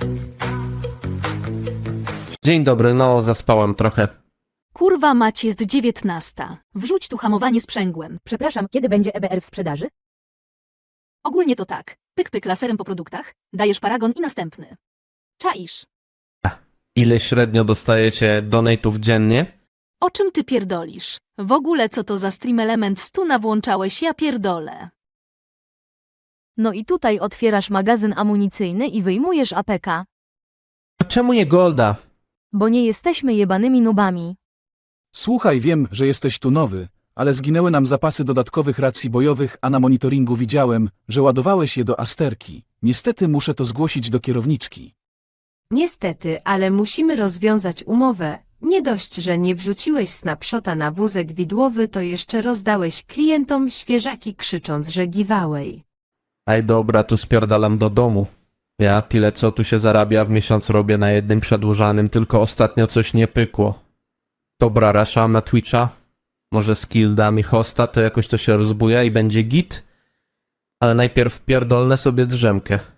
Dzień dobry, no zaspałem trochę. Kurwa mać, jest 19. Wrzuć tu hamowanie sprzęgłem. Przepraszam, kiedy będzie EBR w sprzedaży? Ogólnie to tak. Pyk pyk laserem po produktach, dajesz paragon i następny. Czaisz. Ile średnio dostajecie donate'ów dziennie? O czym ty pierdolisz? W ogóle co to za stream element 100 nawłączałeś, ja pierdolę. No i tutaj otwierasz magazyn amunicyjny i wyjmujesz APK, Czemu nie Golda? bo nie jesteśmy jebanymi nubami. Słuchaj, wiem, że jesteś tu nowy, ale zginęły nam zapasy dodatkowych racji bojowych, a na monitoringu widziałem, że ładowałeś je do Asterki. Niestety muszę to zgłosić do kierowniczki. Niestety, ale musimy rozwiązać umowę. Nie dość, że nie wrzuciłeś snapshota na wózek widłowy, to jeszcze rozdałeś klientom świeżaki krzycząc, że giveaway. Ej dobra, tu spierdalam do domu. Ja tyle co tu się zarabia w miesiąc robię na jednym przedłużanym, tylko ostatnio coś nie pykło. Dobra, raszam na Twitcha. Może skill da mi hosta, to jakoś to się rozbuja i będzie git. Ale najpierw pierdolnę sobie drzemkę.